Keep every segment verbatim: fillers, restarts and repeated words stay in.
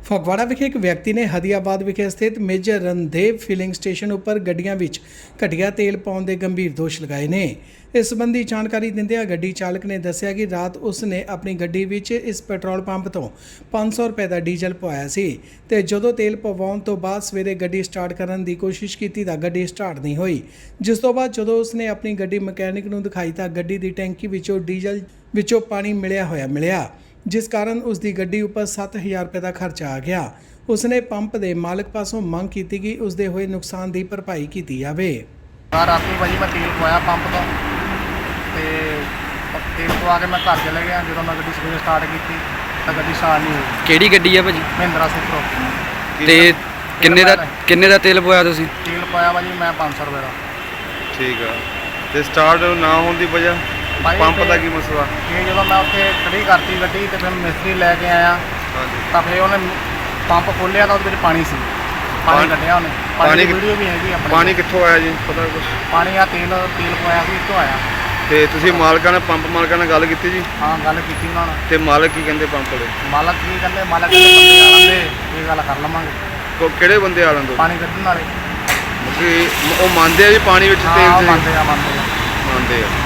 ਫਗਵਾੜਾ ਵਿਖੇ ਇੱਕ ਵਿਅਕਤੀ ਨੇ ਹਦੀਆਬਾਦ ਵਿਖੇ ਸਥਿਤ ਮੇਜਰ ਰਣਦੇਵ ਫਿਲਿੰਗ ਸਟੇਸ਼ਨ ਉੱਪਰ ਗੱਡੀਆਂ ਵਿੱਚ ਘਟੀਆ ਤੇਲ ਪਾਉਣ ਦੇ ਗੰਭੀਰ ਦੋਸ਼ ਲਗਾਏ ਨੇ। ਇਸ ਸੰਬੰਧੀ ਜਾਣਕਾਰੀ ਦਿੰਦਿਆਂ ਗੱਡੀ ਚਾਲਕ ਨੇ ਦੱਸਿਆ ਕਿ ਰਾਤ ਉਸ ਨੇ ਆਪਣੀ ਗੱਡੀ ਵਿੱਚ ਇਸ ਪੈਟਰੋਲ ਪੰਪ ਤੋਂ ਪੰਜ ਸੌ ਰੁਪਏ ਦਾ ਡੀਜ਼ਲ ਪਵਾਇਆ ਸੀ ਤੇ ਜਦੋਂ ਤੇਲ ਪਵਾਉਣ ਤੋਂ ਬਾਅਦ ਸਵੇਰੇ ਗੱਡੀ ਸਟਾਰਟ ਕਰਨ ਦੀ ਕੋਸ਼ਿਸ਼ ਕੀਤੀ ਤਾਂ ਗੱਡੀ ਸਟਾਰਟ ਨਹੀਂ ਹੋਈ, ਜਿਸ ਤੋਂ ਬਾਅਦ ਜਦੋਂ ਉਸ ਨੇ ਆਪਣੀ ਗੱਡੀ ਮਕੈਨਿਕ ਨੂੰ ਦਿਖਾਈ ਤਾਂ ਗੱਡੀ ਦੀ ਟੈਂਕੀ ਵਿੱਚੋਂ ਡੀਜ਼ਲ ਵਿੱਚੋਂ ਪਾਣੀ ਮਿਲਿਆ ਹੋਇਆ ਮਿਲਿਆ, ਜਿਸ ਕਾਰਨ ਉਸ ਦੀ ਗੱਡੀ ਉੱਪਰ ਸੱਤ ਹਜ਼ਾਰ ਰੁਪਏ ਦਾ ਖਰਚਾ ਆ ਗਿਆ। ਉਸ ਨੇ ਪੰਪ ਦੇ ਮਾਲਕ ਪਾਸੋਂ ਮੰਗ ਕੀਤੀ ਕਿ ਉਸ ਦੇ ਹੋਏ ਨੁਕਸਾਨ ਦੀ ਭਰਪਾਈ ਕੀਤੀ ਜਾਵੇ। ਰਾਤੀ ਭਾਜੀ ਮੈਂ ਤੇਲ ਪਵਾਇਆ ਪੰਪ ਤੋਂ ਤੇ ਤੇਲ ਪਵਾ ਕੇ ਮੈਂ ਘਰ ਚਲੇ ਗਿਆ। ਜਦੋਂ ਮੈਂ ਗੱਡੀ ਸਵੇਰੇ ਸਟਾਰਟ ਕੀਤੀ ਤਾਂ ਗੱਡੀ ਸਟਾਰਟ ਨਹੀਂ ਹੋਈ। ਕਿਹੜੀ ਗੱਡੀ ਆ ਭਾਜੀ? ਮਹਿੰਦਰਾ ਸੁਪਰੋ। ਤੇ ਕਿੰਨੇ ਦਾ ਕਿੰਨੇ ਦਾ ਤੇਲ ਪਵਾਇਆ ਤੁਸੀਂ? ਤੇਲ ਪਾਇਆ ਭਾਜੀ ਮੈਂ ਪੰਜ ਸੌ ਰੁਪਏ ਦਾ। ਠੀਕ ਆ। ਤੇ ਸਟਾਰਟ ਨਾ ਹੋਣ ਦੀ ਵਜ੍ਹਾ ਪੰਪ ਦਾ ਕੀ ਮਸਲਾ? ਇਹ ਜਦੋਂ ਮੈਂ ਉੱਥੇ ਖੜੀ ਕਰਤੀ ਗੱਡੀ ਤੇ ਫਿਰ ਮਿਸਤਰੀ ਲੈ ਕੇ ਆਇਆ ਤਾਂ ਫਿਰ ਉਹਨੇ ਪੰਪ ਖੋਲ੍ਹਿਆ ਤਾਂ ਉਹਦੇ ਵਿੱਚ ਪਾਣੀ ਸੀ। ਪਾਣੀ ਕੱਢਿਆ ਉਹਨੇ। ਪਾਣੀ ਦੀ ਵੀਡੀਓ ਵੀ ਹੈਗੀ ਆਪਣੇ। ਪਾਣੀ ਕਿੱਥੋਂ ਆਇਆ ਜੀ, ਪਤਾ ਕੁਛ? ਪਾਣੀ ਆ ਤੇਲ ਤੇਲ ਪਵਾਇਆ ਸੀ ਇੱਥੋਂ ਆਇਆ। ਤੇ ਤੁਸੀਂ ਮਾਲਕਾਂ ਨਾਲ ਪੰਪ ਮਾਲਕਾਂ ਨਾਲ ਗੱਲ ਕੀਤੀ ਜੀ? ਹਾਂ ਗੱਲ ਕੀਤੀ ਉਹਨਾਂ ਨਾਲ। ਤੇ ਮਾਲਕ ਕੀ ਕਹਿੰਦੇ ਪੰਪ ਦੇ? ਮਾਲਕ ਕੀ ਕਹਿੰਦੇ? ਮਾਲਕ ਕਹਿੰਦੇ ਬੰਦੇ ਆ ਲੈਂਦੇ ਇਹ ਗੱਲ ਕਰ ਲਵਾਂਗੇ। ਕਿਹੜੇ ਬੰਦੇ ਆ ਲੈਂਦੇ? ਪਾਣੀ ਕੱਢਣ ਵਾਲੇ। ਉਹ ਮੰਨਦੇ ਆ ਜੀ ਪਾਣੀ ਵਿੱਚ ਤੇਲ ਹਾਂ ਮੰਨਦੇ ਆ ਮੰਨਦੇ ਆ ਮੰਨਦੇ ਆ।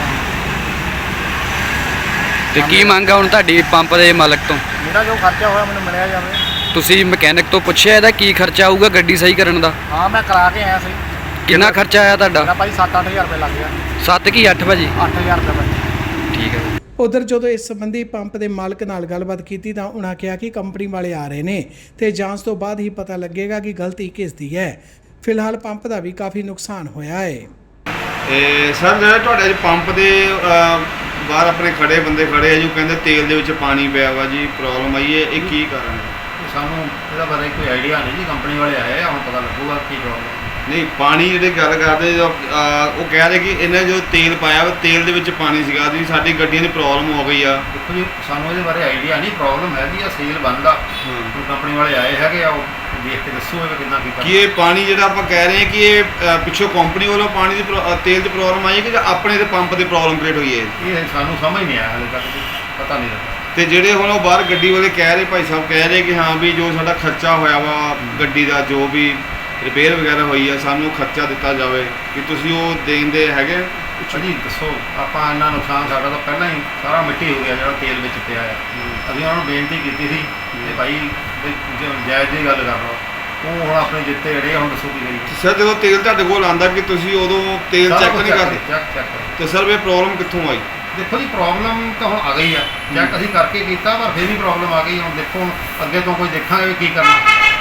ਤੇ ਕੀ ਮੰਗ ਆ ਹੁਣ ਤੁਹਾਡੀ ਪੰਪ ਦੇ ਮਾਲਕ ਤੋਂ? ਮੇਰਾ ਜੋ ਖਰਚਾ ਹੋਇਆ ਮੈਨੂੰ ਮਿਲਿਆ ਜਾਵੇ। ਤੁਸੀਂ ਮਕੈਨਿਕ ਤੋਂ ਪੁੱਛਿਆ ਇਹਦਾ ਕੀ ਖਰਚਾ ਆਊਗਾ ਗੱਡੀ ਸਹੀ ਕਰਨ ਦਾ? ਹਾਂ ਮੈਂ ਕਰਾ ਕੇ ਆਇਆ ਸੀ। ਕਿੰਨਾ ਖਰਚਾ ਆਇਆ ਤੁਹਾਡਾ? ਮੇਰਾ ਭਾਈ ਸੱਤ ਅੱਠ ਹਜ਼ਾਰ ਰੁਪਏ ਲੱਗ ਗਿਆ। ਸੱਤ ਕੀ ਅੱਠ ਭਾਜੀ? ਅੱਠ ਹਜ਼ਾਰ ਰੁਪਏ ਭਾਜੀ। ਠੀਕ ਹੈ। ਉਧਰ ਜਦੋਂ ਇਸ ਸੰਬੰਧੀ ਪੰਪ ਦੇ ਮਾਲਕ ਨਾਲ ਗੱਲਬਾਤ ਕੀਤੀ ਤਾਂ ਉਹਨਾਂ ਕਿਹਾ ਕਿ ਕੰਪਨੀ ਵਾਲੇ ਆ ਰਹੇ ਨੇ ਤੇ ਜਾਂਚ ਤੋਂ ਬਾਅਦ ਹੀ ਪਤਾ ਲੱਗੇਗਾ ਕਿ ਗਲਤੀ ਕਿਸ ਦੀ ਹੈ। ਫਿਲਹਾਲ ਪੰਪ ਦਾ ਵੀ ਕਾਫੀ ਨੁਕਸਾਨ ਹੋਇਆ ਹੈ। ਇਹ ਸਰ ਜਿਹੜਾ ਤੁਹਾਡੇ ਪੰਪ ਦੇ ਬਾਹਰ ਆਪਣੇ ਖੜੇ ਬੰਦੇ ਖੜੇ ਆ ਜੀ, ਉਹ ਕਹਿੰਦੇ ਤੇਲ ਦੇ ਵਿੱਚ ਪਾਣੀ ਪਿਆ ਵਾ ਜੀ, ਪ੍ਰੋਬਲਮ ਆਈ ਹੈ, ਇਹ ਕੀ ਕਾਰਨ ਹੈ? ਸਾਨੂੰ ਇਹਦਾ ਬਾਰੇ ਕੋਈ ਆਈਡੀਆ ਨਹੀਂ ਜੀ। ਕੰਪਨੀ ਵਾਲੇ ਆਏ ਆ, ਹੁਣ ਪਤਾ ਲੱਗੂਗਾ ਕੀ ਪ੍ਰੋਬਲਮ। ਨਹੀਂ ਪਾਣੀ ਜਿਹੜੇ ਗੱਲ ਕਰਦੇ ਜੋ, ਅਹ, ਉਹ ਕਹਿ ਰਹੇ ਕਿ ਇਹਨੇ ਜੋ ਤੇਲ ਪਾਇਆ ਵਾ ਤੇਲ ਦੇ ਵਿੱਚ ਪਾਣੀ ਸੀਗਾ ਜੀ, ਸਾਡੀ ਗੱਡੀਆਂ ਦੀ ਪ੍ਰੋਬਲਮ ਹੋ ਗਈ ਆ। ਦੇਖੋ ਜੀ ਸਾਨੂੰ ਇਹਦੇ ਬਾਰੇ ਆਈਡੀਆ ਨਹੀਂ। ਪ੍ਰੋਬਲਮ ਹੈਗੀ ਆ ਸੇਲ ਬੰਦ ਆ। ਹੁਣ ਕੰਪਨੀ ਵਾਲੇ ਆਏ ਹੈਗੇ ਆ, ਉਹ ਦੇਖ ਕੇ ਦੱਸੋ ਇਹ ਕਿੰਨਾ ਕੀਤਾ। ਕਿ ਇਹ ਪਾਣੀ ਜਿਹੜਾ ਆਪਾਂ ਕਹਿ ਰਹੇ ਹਾਂ ਕਿ ਇਹ ਅਹ, ਪਿੱਛੋਂ ਕੰਪਨੀ ਵੱਲੋਂ ਪਾਣੀ ਦੀ ਪ੍ਰੋ- ਅਹ, ਤੇਲ ਦੀ ਪ੍ਰੋਬਲਮ ਆਈ ਹੈ ਕਿ ਆਪਣੇ ਦੇ ਪੰਪ ਦੀ ਪ੍ਰੋਬਲਮ ਕ੍ਰੀਏਟ ਹੋਈ ਹੈ? ਇਹ ਸਾਨੂੰ ਸਮਝ ਨਹੀਂ ਆਇਆ ਹਾਲੇ ਤੱਕ, ਪਤਾ ਨਹੀਂ ਲੱਗਾ। ਤੇ ਜਿਹੜੇ ਹੁਣ ਉਹ ਬਾਹਰ ਗੱਡੀ ਵਾਲੇ ਕਹਿ ਰਹੇ, ਭਾਈ ਸਾਹਿਬ ਕਹਿ ਰਹੇ ਕਿ ਹਾਂ ਵੀ ਜੋ ਸਾਡਾ ਖਰਚਾ ਹੋਇਆ ਵਾ ਗੱਡੀ ਦਾ, ਜੋ ਵੀ ਰਿਪੇਅਰ ਵਗੈਰਾ ਹੋਈ ਆ, ਸਾਨੂੰ ਖਰਚਾ ਦਿੱਤਾ ਜਾਵੇ, ਕਿ ਤੁਸੀਂ ਉਹ ਦੇਂਦੇ ਹੈਗੇ? ਜੀ ਦੱਸੋ, ਆਪਾਂ ਇੰਨਾ ਨੁਕਸਾਨ ਸਾਡਾ ਤਾਂ ਪਹਿਲਾਂ ਹੀ ਸਾਰਾ ਮਿੱਟੀ ਹੋ ਗਿਆ ਜਿਹੜਾ ਤੇਲ ਵਿੱਚ ਪਿਆ ਆ। ਅਸੀਂ ਉਹਨਾਂ ਨੂੰ ਬੇਨਤੀ ਕੀਤੀ ਸੀ ਕਿ ਭਾਈ ਜਾਇਜ਼ ਦੀ ਗੱਲ ਕਰ ਲਓ। ਉਹ ਹੁਣ ਆਪਣੇ ਜਿੱਤੇ ਅੜੇ, ਹੁਣ ਦੱਸੋ ਕੀ ਕਰੀਏ। ਸਰ ਜਦੋਂ ਤੇਲ ਤੁਹਾਡੇ ਕੋਲ ਆਉਂਦਾ ਕਿ ਤੁਸੀਂ ਉਦੋਂ ਤੇਲ ਚੈੱਕ ਨਹੀਂ ਕਰਦੇ? ਚੈੱਕ ਚੈੱਕ ਕਰੋ। ਤੇ ਸਰ ਇਹ ਪ੍ਰੋਬਲਮ ਕਿੱਥੋਂ ਆਈ? ਦੇਖੋ ਜੀ ਪ੍ਰੋਬਲਮ ਤਾਂ ਹੁਣ ਆ ਗਈ ਆ। ਚੈੱਕ ਅਸੀਂ ਕਰਕੇ ਕੀਤਾ ਪਰ ਫਿਰ ਵੀ ਪ੍ਰੋਬਲਮ ਆ ਗਈ। ਹੁਣ ਦੇਖੋ ਹੁਣ ਅੱਗੇ ਤੋਂ ਕੋਈ ਦੇਖਾਂਗੇ ਵੀ ਕੀ ਕਰਨਾ।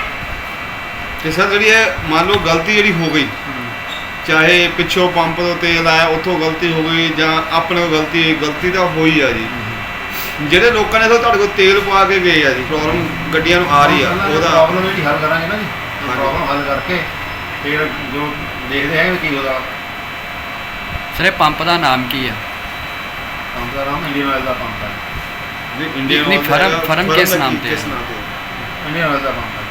ਤੇ ਸਰ ਜਿਹੜੀ ਇਹ ਮੰਨ ਲਓ ਗਲਤੀ ਜਿਹੜੀ ਹੋ ਗਈ, ਚਾਹੇ ਪਿੱਛੋਂ ਪੰਪ ਤੋਂ ਤੇਲ ਆਇਆ ਉੱਥੋਂ ਗਲਤੀ ਹੋ ਗਈ ਜਾਂ ਆਪਣੇ ਕੋਲ ਗਲਤੀ ਹੋਈ, ਗਲਤੀ ਤਾਂ ਹੋਈ ਆ ਜੀ। ਜਿਹੜੇ ਲੋਕਾਂ ਨੇ ਤੁਹਾਡੇ ਕੋਲ ਤੇਲ ਪਵਾ ਕੇ ਗਏ ਆ ਜੀ, ਪ੍ਰੋਬਲਮ ਗੱਡੀਆਂ ਨੂੰ ਆ ਰਹੀ ਆ, ਉਹਦਾ ਪ੍ਰੋਬਲਮ ਜਿਹੜੀ ਹੱਲ ਕਰਾਂਗੇ ਨਾ ਜੀ। ਪ੍ਰੋਬਲਮ ਹੱਲ ਕਰਕੇ ਫਿਰ ਜੋ ਦੇਖਦੇ ਹੈਗੇ ਕੀ ਉਹਦਾ। ਸਰ ਇਹ ਪੰਪ ਦਾ ਨਾਮ ਕੀ ਆ? ਪੰਪ ਦਾ ਨਾਮ ਇੰਡੀਅਨ ਆਇਲ ਦਾ ਪੰਪ ਹੈ। ਇੰਡੀਅਨ ਨਹੀਂ, ਫਰਮ- ਫਰਮ ਕਿਸ ਨਾਮ ਤੇ ਹੈ? ਕਿਸ ਨਾਮ ਤੇ? ਇੰਡੀਅਨ ਆਇਲ ਦਾ ਪੰਪ ਹੈ।